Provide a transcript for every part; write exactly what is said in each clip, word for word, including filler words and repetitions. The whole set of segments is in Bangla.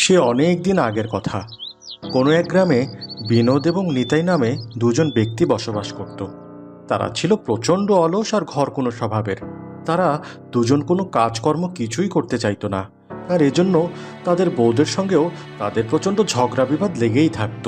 সে অনেক দিন আগের কথা। কোনো এক গ্রামে বিনোদ এবং নিতাই নামে দুজন ব্যক্তি বসবাস করত। তারা ছিল প্রচণ্ড অলস আর ঘর কোনো স্বভাবের। তারা দুজন কোনো কাজকর্ম কিছুই করতে চাইতো না, আর এজন্য তাদের বউদের সঙ্গেও তাদের প্রচণ্ড ঝগড়া বিবাদ লেগেই থাকতো।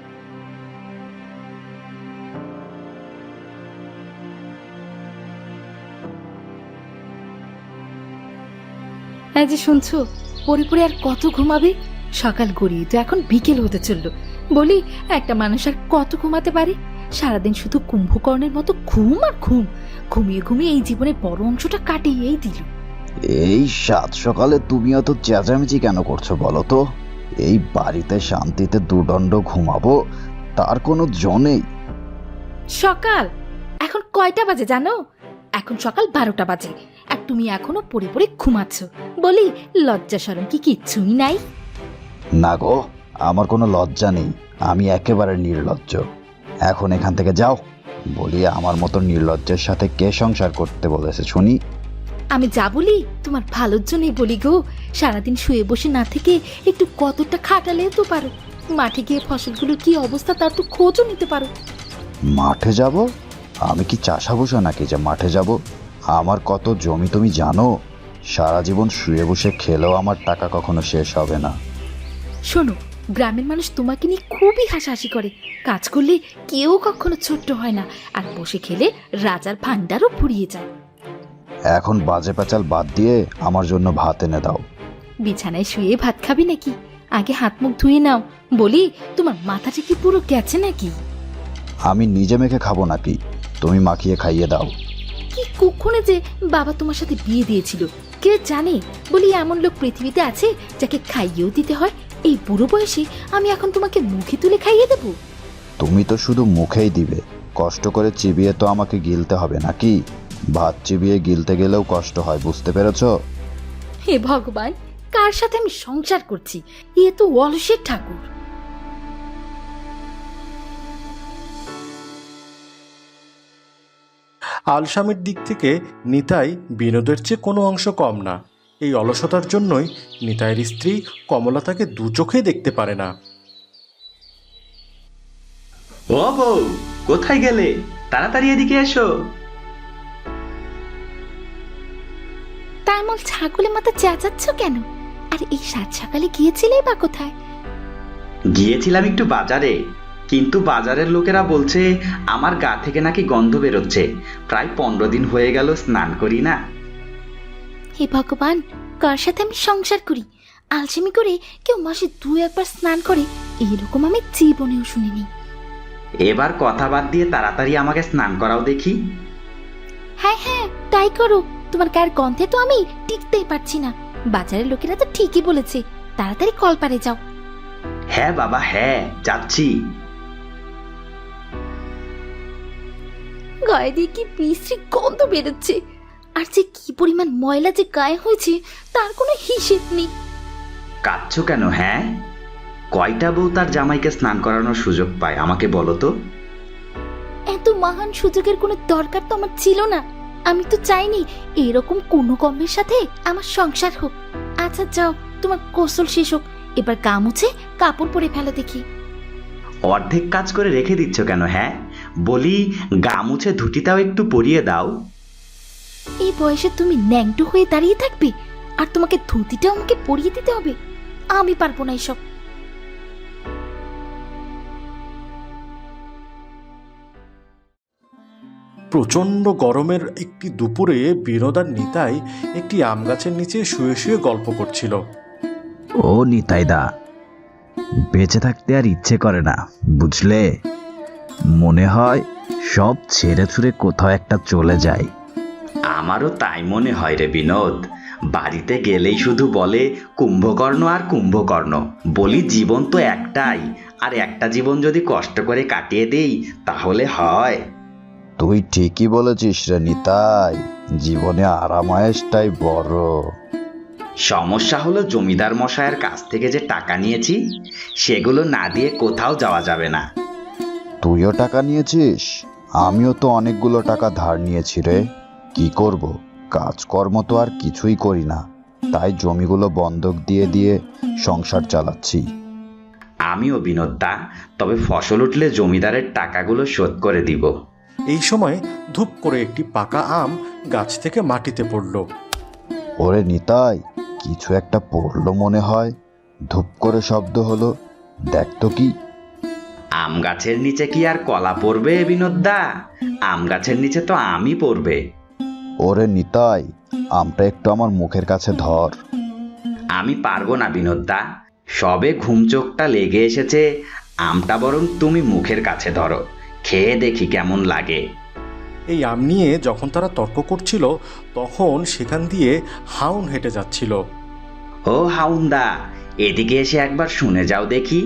এই যে শুনছো, পরে পরে আর কত ঘুমাবে? সকাল গড়িয়ে তো এখন বিকেল হতে চললো। বলি, একটা মানুষ আর কত ঘুমাতে পারে? সারাদিন শুধু কুম্ভকর্ণের মতো ঘুম আর ঘুম। ঘুমিয়ে ঘুমিয়ে এই জীবনের বড় অংশটা কাটিয়েই দিল। এই সাত সকালে তুমি অত চেঁচামেচি কেন করছো বলো তো? এই বাড়িতে শান্তিতে দুদণ্ড ঘুমাবো, তার কোনো জো নেই। সকাল এখন কয়টা বাজে জানো? এখন সকাল বারোটা বাজে, আর তুমি এখনো পড়ে পড়ে ঘুমাচ্ছ। বলি, লজ্জা শরম কি কিচ্ছুই নাই? না গো, আমার কোনো লজ্জা নেই, আমি একেবারে নির্লজ্জ। এখন এখান থেকে যাও। বলি, আমার মতো নির্লজ্জের সাথে কে সংসার করতে বলেছে শুনি? আমি যা বলি তোমার ভালোর জন্যই বলি গো। সারাদিন শুয়ে বসে না থেকে একটু কতটা খাটালেও তো পারো। মাঠে গিয়ে ফসলগুলোর কি অবস্থা তার তো খোঁজও নিতে পারো। মাঠে যাব? আমি কি চাষা বসা নাকি যে মাঠে যাব? আমার কত জমি তুমি জানো? সারা জীবন শুয়ে বসে খেলেও আমার টাকা কখনো শেষ হবে না। শোনো, গ্রামের মানুষ তোমাকে নিয়ে খুবই হাসাহাসি করে। কাজ করলে কেউ কখনো ছোট্ট হয় না, আর বসে খেলে রাজার ভান্ডারও ফুরিয়ে যায়। এখন বাজে পেঁচাল বাদ দিয়ে আমার জন্য ভাত এনে দাও। বিছানায় শুয়ে ভাত খাবি নাকি? আগে হাত মুখ ধুয়ে নাও। বলি, তোমার মাথাটা কি পুরো গেছে নাকি? আমি নিজে মেখে খাবো নাকি? তুমি মাখিয়ে খাইয়ে দাও। কি কুক্ষণে যে বাবা তোমার সাথে বিয়ে দিয়েছিল কে জানে। বলি, এমন লোক পৃথিবীতে আছে যাকে খাইয়েও দিতে হয়? এই বুড়ো বয়সে আমি এখন তোমাকে মুখে তুলে খাইয়ে দেব? তুমি তো শুধু মুখেই দিবে, কষ্ট করে চিবিয়ে তো আমাকে গিলতে হবে নাকি? ভাত চিবিয়ে গিলতে গেলেও কষ্ট হয়, বুঝতে পেরেছ? হে ভগবান, কার সাথে আমি সংসার করছি? এ তো অলসের ঠাকুর। আলসামের দিক থেকে নিতাই বিনোদের চেয়ে কোনো অংশ কম না। এই অলসতার জন্যই নিতাইয়ের স্ত্রী কমলা তাকে দু চোখেই দেখতে পারে না। ও বউ, কোথায় গেলে? তাড়াতাড়ি এদিকে এসো। তার মল ছাগলের মাথা চেঁচাচ্ছ কেন? আর এই সাত সকালে গিয়েছিলে বা কোথায়? গিয়েছিলাম একটু বাজারে, কিন্তু বাজারের লোকেরা বলছে আমার গা থেকে নাকি গন্ধ বেরোচ্ছে। প্রায় পনেরো দিন হয়ে গেল স্নান করি না। হে ভগবান, কার সাথে আমি সংসার করি? আলসেমি করে কেউ মাসে দু একবার স্নান করে, এইরকম আমি জীবনেও শুনিনি। এবার কথা বাদ দিয়ে তাড়াতাড়ি আমাকে স্নান করাও দেখি। হ্যাঁ হ্যাঁ, তাই করো। তোমার গায়ের গন্ধে তো আমি টিকতেই পারছি না। বাজারের লোকেরা তো ঠিকই বলেছে, তাড়াতাড়ি কলপারে যাও। হ্যাঁ বাবা, হ্যাঁ যাচ্ছি। গায়ে দিয়ে কি বিশ্রী গন্ধ বেরোচ্ছে, আর যে কি পরিমাণ ময়লা যে গায়ে হয়েছে তার কোনো হিসেব নেই। কাঁদছো কেন? হ্যাঁ, কয়টা বউ তার জামাইকে স্নান করানোর সুযোগ পায় আমাকে বলো তো? এত মহান সুযোগের কোনো দরকার তো আমার ছিল না। আমি তো চাইনি এরকম কোনো কর্মের সাথে আমার সংসার হোক। আচ্ছা যাও, তোমার গোসল শেষ হোক, এবার গা মুছে কাপড় পরে ফেলো দেখি। অর্ধেক কাজ করে রেখে দিচ্ছ কেন? হ্যাঁ, বলি গা মুছে ধুতিটাও একটু পরিয়ে দাও। এই বয়সে তুমি ন্যাংটো হয়ে দাঁড়িয়ে থাকবে, আর তোমাকে ধুতিটাও আমাকে পরিয়ে দিতে হবে? আমি পারবো না এসব। প্রচণ্ড গরমের একটি দুপুরে বিনোদ আর নিতাই একটি আম গাছের নিচে শুয়ে শুয়ে গল্প করছিল। ও নিতাইদা, বেঁচে থাকতে আর ইচ্ছে করে না, বুঝলে? মনে হয় সব ছেড়ে ছুড়ে কোথাও একটা চলে যায়। আমারও তাই মনে হয় রে বিনোদ। বাড়িতে গেলেই শুধু বলে কুম্ভকর্ণ আর কুম্ভকর্ণ। বলি, জীবন তো একটাই, আর একটা জীবন যদি কষ্ট করে কাটিয়ে দেই তাহলে হয়। তুই ঠিকই বলেছিস রে নিতাই, জীবনে আরামায়েশটাই বড়। সমস্যা হলো জমিদার মশাইয়ের কাছ থেকে যে টাকা নিয়েছি সেগুলো না দিয়ে কোথাও যাওয়া যাবে না। তুইও টাকা নিয়েছিস? আমিও তো অনেকগুলো টাকা ধার নিয়েছি রে। কি করব, কাজকর্ম তো আর কিছুই করি না, তাই জমিগুলো বন্ধক দিয়ে দিয়ে সংসার চালাচ্ছি। আমিও বিনোদদা, তবে ফসল উঠলে জমিদারের টাকাগুলো শোধ করে দিব। এই সময় ধূপ করে একটি পাকা আম গাছ থেকে মাটিতে পড়ল। ওরে নিতাই, কিছু একটা পড়লো মনে হয়। ধূপ করে শব্দ হলো, দেখ তো কি। আম গাছের নিচে কি আর কলা পড়বে বিনোদদা? আম গাছের নিচে তো আমই পড়বে। ওরে নিতাই, আমটা একটু আমার মুখের কাছে ধর। আমি পারবো না বিনোদদা, সবে ঘুম চোখটা লেগে এসেছে। আমটা বরং তুমি মুখের কাছে ধরো, খেয়ে দেখি কেমন লাগে। এই আম নিয়ে যখন তারা তর্ক করছিল তখন সেখান দিয়ে হাউন হেঁটে যাচ্ছিল। ও হাউন্দা, এদিকে এসে একবার শুনে যাও দেখি।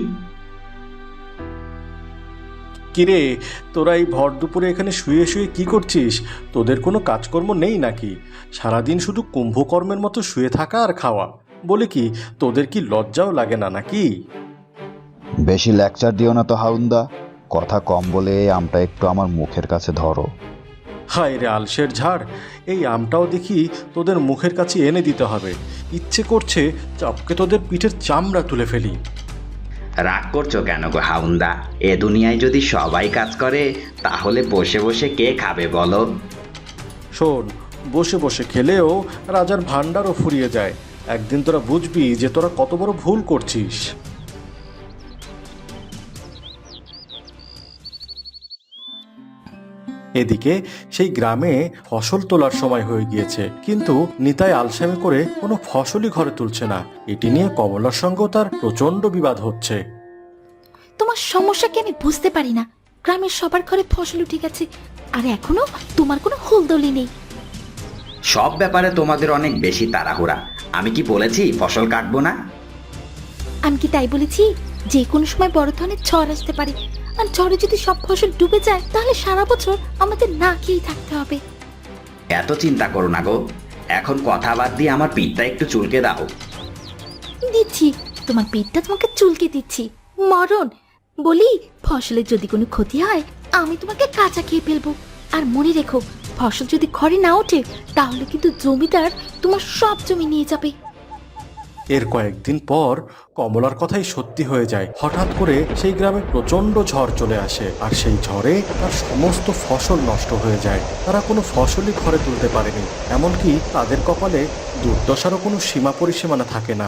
কিরে, তোরা এই ভর দুপুরে এখানে শুয়ে শুয়ে কি করছিস? তোদের কোনো কাজকর্ম নেই নাকি? সারাদিন শুধু কুম্ভকর্মের মতো শুয়ে থাকা আর খাওয়া। বলে কি, তোদের কি লজ্জাও লাগে না নাকি? বেশি লেকচার দিও না তো হাউন্দা, কথা কম বলে এই আমটা একটু আমার মুখের কাছে ধরো। হায় রে আলসের ঝাড়, এই আমটাও দেখি তোদের মুখের কাছে এনে দিতে হবে। ইচ্ছে করছে চাপকে তোদের পিঠের চামড়া তুলে ফেলি। রাগ করছো কেন গো হাউন্দা? এ দুনিয়ায় যদি সবাই কাজ করে তাহলে বসে বসে কে খাবে বলো? শোন, বসে বসে খেলেও রাজার ভাণ্ডারও ফুরিয়ে যায়। একদিন তোরা বুঝবি যে তোরা কত বড় ভুল করছিস। এদিকে সেই গ্রামে ফসল তোলার সময় হয়ে গিয়েছে, কিন্তু নিতাই আলসেমি করে কোনো ফসলই ঘরে তুলছে না। এটি নিয়ে কমলার সঙ্গেও তার প্রচণ্ড বিবাদ হচ্ছে। তোমার সমস্যা কি আমি বুঝতে পারি না। গ্রামের সবার ঘরে ফসল উঠে গেছে, আর এখনো তোমার কোনো হুলদলি নেই। সব ব্যাপারে তোমাদের অনেক বেশি তাড়াহুড়া। আমি কি বলেছি ফসল কাটবো না? আমি কি তাই বলেছি? যে কোনো সময় বড় ধরনের ঝড় আসতে পারে, আর ঝড়ে যদি সব ফসল ডুবে যায় তাহলে সারা বছর আমাদের না খেয়েই থাকতে হবে। এত চিন্তা করো না গো, এখন কথা বাদ দিয়ে আমার পিঠটা একটু চুলকে দাও। দিচ্ছি, তোমার পেটটা তোমাকে চুলকে দিচ্ছি। মরণ বলি, ফসলের যদি কোনো ক্ষতি হয় আমি তোমাকে কাঁচা খেয়ে ফেলবো। আর মনে রেখো, ফসল যদি ঘরে না ওঠে তাহলে কিন্তু জমিদার তোমার সব জমি নিয়ে যাবে। এর কয়েকদিন পর কমলার কথাই সত্যি হয়ে যায়। হঠাৎ করে সেই গ্রামে প্রচণ্ড ঝড় চলে আসে, আর সেই ঝড়ে তার সমস্ত ফসল নষ্ট হয়ে যায়। তারা কোনো ফসলই ঘরে তুলতে পারেনি, এমনকি তাদের কপালে দুর্দশারও কোনো সীমা পরিসীমানা থাকে না।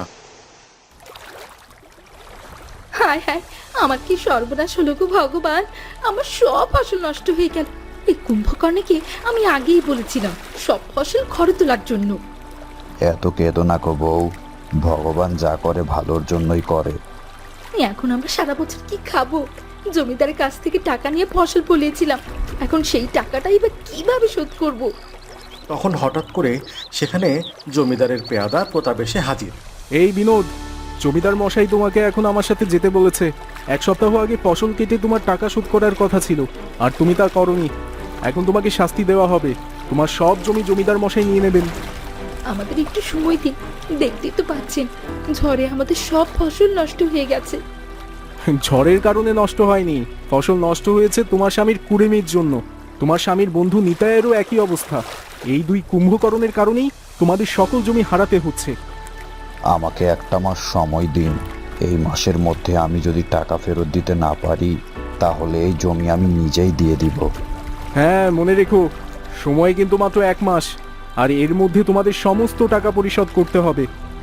হায় হায়, আমার কি সর্বনাশ হলো গো ভগবান! আমার সব ফসল নষ্ট হয়ে গেল। এই কুম্ভকর্ণকে আমি আগেই বলেছিলাম সব ফসল ঘরে তোলার জন্য। এত কেঁদো না গো বউ, ভগবান যা করে ভালোর জন্যই করে। এখন আমরা সারা বছর কি খাবো? জমিদারের কাছ থেকে টাকা নিয়ে ফসল ফলিয়েছিলাম, এখন সেই টাকাটাই বা কিভাবে শোধ করব? তখন হঠাৎ করে সেখানে জমিদারের পেয়াদা প্রতাপ এসে হাজির। এই বিনোদ, জমিদার মশাই তোমাকে এখন আমার সাথে যেতে বলেছে। এক সপ্তাহ আগে ফসল কেটে তোমার টাকা শোধ করার কথা ছিল, আর তুমি তা করনি। এখন তোমাকে শাস্তি দেওয়া হবে। তোমার সব জমি জমিদার মশাই নিয়ে নেবেন। আমাদের একটু সময় দিন, দেখতেই তো পাচ্ছেন ঝড়ে আমাদের সব ফসল নষ্ট হয়ে গেছে। ঝড়ের কারণে নষ্ট হয়নি, ফসল নষ্ট হয়েছে তোমার স্বামীর কুড়েমির জন্য। তোমার স্বামীর বন্ধু নিতাইয়েরও একই অবস্থা। এই দুই কুম্ভকরণের কারণেই তোমাদের সকল জমি হারাতে হচ্ছে। আমাকে একটা মাস সময় দিন। এই মাসের মধ্যে আমি যদি টাকা ফেরত দিতে না পারি তাহলে এই জমি আমি নিজেই দিয়ে দিব। হ্যাঁ, মনে রেখো, সময় কিন্তু মাত্র এক মাস, আর এর মধ্যে তোমাদের সমস্ত টাকা পরিশোধ করতে হবে।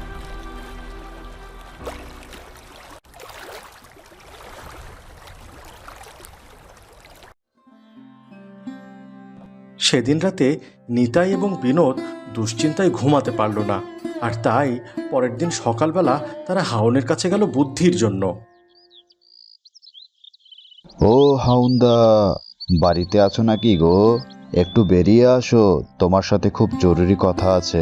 সেদিন রাতে নিতাই এবং বিনোদ দুশ্চিন্তায় ঘুমাতে পারল না, আর তাই পরের দিন সকালবেলা তারা হাউনের কাছে গেল বুদ্ধির জন্য। ও হাউন্দা, বাড়িতে আছো নাকি গো? একটু বেরিয়ে আসো, তোমার সাথে খুব জরুরি কথা আছে।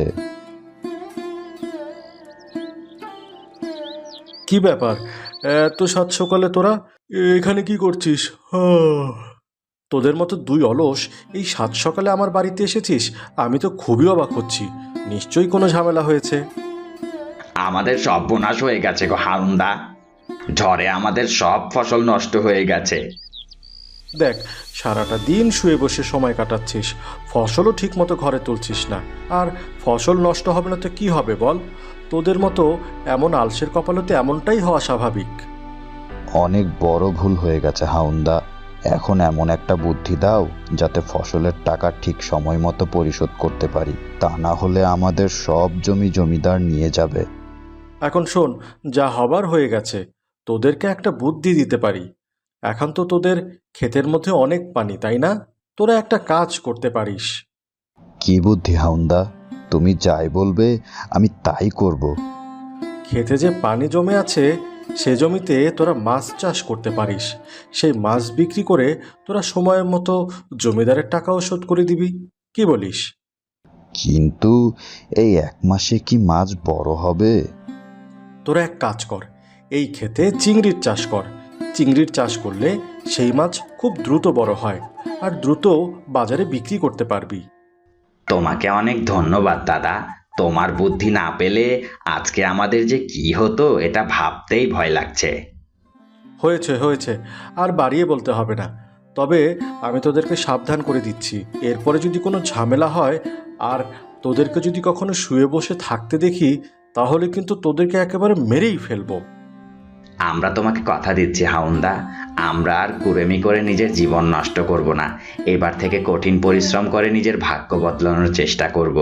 কি ব্যাপার, এত সাত সকালে তোরা এখানে কি করছিস? তোদের মতো দুই অলস এই সাত সকালে আমার বাড়িতে এসেছিস? আমি তো খুবই অবাক হচ্ছি। নিশ্চয়ই কোনো ঝামেলা হয়েছে। আমাদের সর্বনাশ হয়ে গেছে গো হাউন্দা, ঝড়ে আমাদের সব ফসল নষ্ট হয়ে গেছে। দেখ, সারাটা দিন শুয়ে বসে সময় কাটাচ্ছিস, ফসলও ঠিক মতো ঘরে তুলছিস না। আর ফসল নষ্ট হবে না তো কি হবে বল? তোদের মতো এমন আলসের কপালতে এমনটাই হওয়া স্বাভাবিক। অনেক বড় ভুল হয়ে গেছে হাউন্দা। এখন এমন একটা বুদ্ধি দাও যাতে ফসলের টাকা ঠিক সময় মতো পরিশোধ করতে পারি, তা না হলে আমাদের সব জমি জমিদার নিয়ে যাবে। এখন শোন, যা হবার হয়ে গেছে, তোদেরকে একটা বুদ্ধি দিতে পারি। এখন তো তোদের ক্ষেতের মধ্যে অনেক পানি, তাই না? তোরা একটা কাজ করতে পারিস। কি বুদ্ধি হাউন্দা? তুমি যাই বলবে আমি তাই করব। ক্ষেতে যে পানি জমে আছে সে জমিতে তোরা মাছ চাষ করতে পারিস। সেই মাছ বিক্রি করে তোরা সময়ের মতো জমিদারের টাকাও শোধ করে দিবি। কি বলিস? কিন্তু এই এক মাসে কি মাছ বড় হবে? তোরা এক কাজ কর, এই ক্ষেতে চিংড়ির চাষ কর। চিংড়ির চাষ করলে সেই মাছ খুব দ্রুত বড় হয়, আর দ্রুত বাজারে বিক্রি করতে পারবি। তোমাকে অনেক ধন্যবাদ দাদা। তোমার বুদ্ধি না পেলে আজকে আমাদের যে কি হতো এটা ভাবতেই ভয় লাগছে। হয়েছে হয়েছে, আর বাড়িয়ে বলতে হবে না। তবে আমি তোদেরকে সাবধান করে দিচ্ছি, এরপরে যদি কোনো ঝামেলা হয় আর তোদেরকে যদি কখনো শুয়ে বসে থাকতে দেখি, তাহলে কিন্তু তোদেরকে একেবারে মেরেই ফেলবো। আমরা তোমাকে কথা দিচ্ছি হাউন্দা, আমরা আর কুড়েমি করে নিজের জীবন নষ্ট করব না। এবার থেকে কঠিন পরিশ্রম করে নিজের ভাগ্য বদলানোর চেষ্টা করব।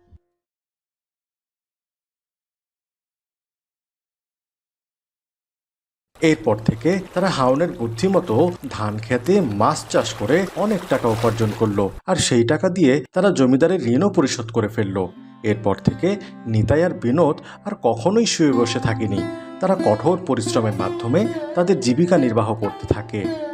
এরপর থেকে তারা হাউনের বুদ্ধিমতো ধান খেতে মাছ চাষ করে অনেক টাকা উপার্জন করলো, আর সেই টাকা দিয়ে তারা জমিদারের ঋণও পরিশোধ করে ফেললো। এরপর থেকে নিতাই আর বিনোদ আর কখনোই শুয়ে বসে থাকেনি। তারা কঠোর পরিশ্রমের মাধ্যমে তাদের জীবিকা নির্বাহ করতে থাকে।